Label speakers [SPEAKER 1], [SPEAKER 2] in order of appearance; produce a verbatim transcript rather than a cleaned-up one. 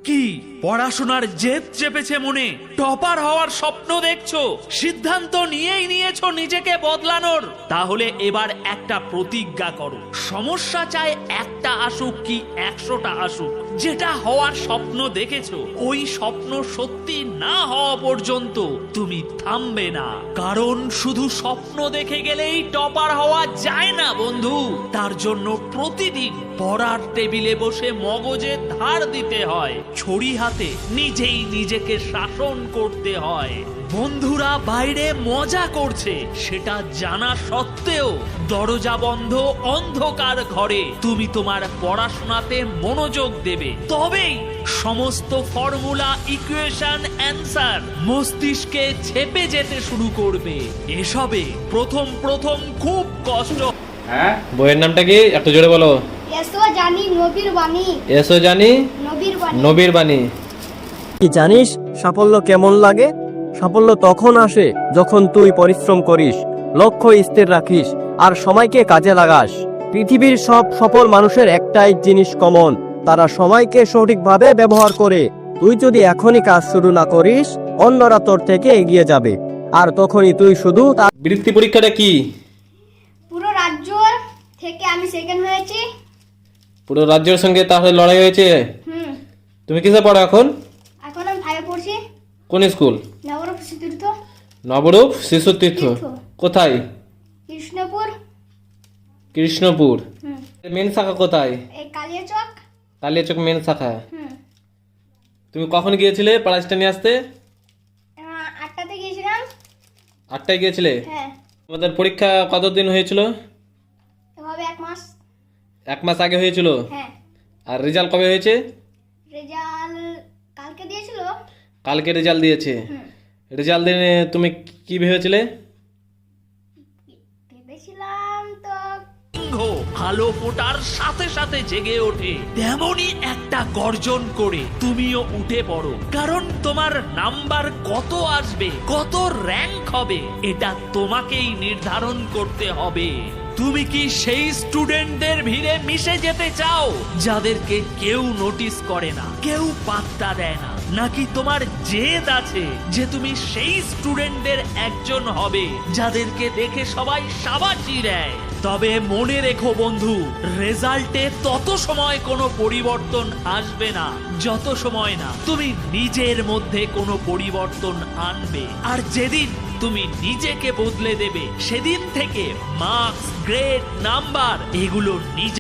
[SPEAKER 1] কি পড়াশোনার জেদ চেপেছে মনে, টপার হওয়ার স্বপ্ন দেখছো, সিদ্ধান্ত নিয়েই নিয়েছো নিজেকে বদলানোর? তাহলে এবার একটা প্রতিজ্ঞা করো, সমস্যা চাই একটা আসুক কি একশোটা আসুক, যেটা হওয়ার স্বপ্ন দেখেছো ওই স্বপ্ন সত্যি না হওয়া পর্যন্ত তুমি থামবে না। কারণ শুধু স্বপ্ন দেখে গেলেই টপার হওয়া যায় না বন্ধু, তার জন্য প্রতিদিন পড়ার টেবিলে বসে মগজে ধার দিতে হয়, ছড়ি হাতে নিজেই নিজেকে শাসন করতে হয়। বন্ধুরা বাইরে মজা করছে সেটা জানা সত্ত্বেও দরজা বন্ধ অন্ধকার ঘরে তুমি তোমার পড়াশোনাতে মনোযোগ দেবে, তবেই সমস্ত ফর্মুলা, ইকুয়েশন, অ্যান্সার মস্তিষ্কে ছেপে যেতে শুরু করবে। এসবে প্রথম প্রথম খুব কষ্ট।
[SPEAKER 2] হ্যাঁ, বইয়ের নামটা কি একটু জোরে বলো।
[SPEAKER 3] এসো জানি নবীর বাণী,
[SPEAKER 2] এসো জানি
[SPEAKER 3] নবীর বাণী।
[SPEAKER 2] নবীর বাণী।
[SPEAKER 4] কি জানিস সাফল্য কেমন লাগে? সাফল্য তখন আসে যখন তুই পরিশ্রম করিস, লক্ষ্য স্থির রাখিস আর সময়কে কাজে লাগাস। পৃথিবীর সব সফল মানুষের একটাই জিনিস কমন, তারা সময়কে সঠিকভাবে ব্যবহার করে। তুই যদি এখনই কাজ শুরু না করিস, অন্যরা তোর থেকে এগিয়ে যাবে, আর তখনই তুই শুধু তার
[SPEAKER 2] বৃত্তি পরীক্ষাটা কি?
[SPEAKER 3] পুরো রাজ্য থেকে আমি সেকেন্ড হয়েছি।
[SPEAKER 2] পুরো রাজ্যের সঙ্গে তাহলে লড়াই হয়েছে।
[SPEAKER 3] হুম,
[SPEAKER 2] তুমি কিসে পড়ো এখন?
[SPEAKER 3] এখন আমি ফাইভে পড়ছি।
[SPEAKER 2] কোন স্কুল?
[SPEAKER 3] নবরূপ তীর্থ,
[SPEAKER 2] নবরূপ শিশু তীর্থ।
[SPEAKER 3] তীর্থ।
[SPEAKER 2] কোথায়?
[SPEAKER 3] কৃষ্ণপুর।
[SPEAKER 2] কৃষ্ণপুর।
[SPEAKER 3] হুম,
[SPEAKER 2] মেন শাখা কোথায়?
[SPEAKER 3] এই কালিয়াচক।
[SPEAKER 2] কালিয়াচক মেন শাখা।
[SPEAKER 3] হুম,
[SPEAKER 2] তুমি কখন গিয়েছিলে প্রাইজটা নিয়ে আসতে?
[SPEAKER 3] আহ, আটটাতে গিয়েছিলাম।
[SPEAKER 2] আটটায় গিয়েছিলে?
[SPEAKER 3] হ্যাঁ,
[SPEAKER 2] তোমাদের পরীক্ষা কতদিন হয়েছিল?
[SPEAKER 3] এভাবে এক মাস।
[SPEAKER 2] এক মাস আগে হয়েছিল।
[SPEAKER 3] হ্যাঁ,
[SPEAKER 2] আর রেজাল্ট কবে হয়েছে?
[SPEAKER 3] রেজাল্ট কালকে দিয়েছিল।
[SPEAKER 2] কালকে রেজাল্ট দিয়েছে।
[SPEAKER 3] হুম,
[SPEAKER 2] রেজাল্ট দিনে তুমি কি ভেবেছিলে?
[SPEAKER 3] ভেবেছিলাম তো
[SPEAKER 1] সিংহ আলো ফোটার সাথে সাথে জেগে ওঠে, তেমনি একটা গর্জন করে তুমিও উঠে পড়ো। কারণ তোমার নাম্বার কত আসবে, কত র্যাঙ্ক হবে, এটা তোমাকেই নির্ধারণ করতে হবে। তুমি কি সেই স্টুডেন্টদের ভিড়ে মিশে যেতে চাও যাদেরকে কেউ নোটিস করে না, কেউ পাত্তা দেয় না? নাকি তোমার জেদ আছে যে তুমি সেই স্টুডেন্টদের একজন হবে যাদেরকে দেখে সবাই শাবাশি দেয়? তবে মনে রেখো বন্ধু, রেজাল্টে তত সময় কোনো পরিবর্তন আসবে না যত সময় না তুমি নিজের মধ্যে কোনো পরিবর্তন আনবে। আর যেদিন তুমি নিজেকে বদলে দেবে, সেদিন থেকে মার্কস, গ্রেড, নাম্বার এগুলো নিজে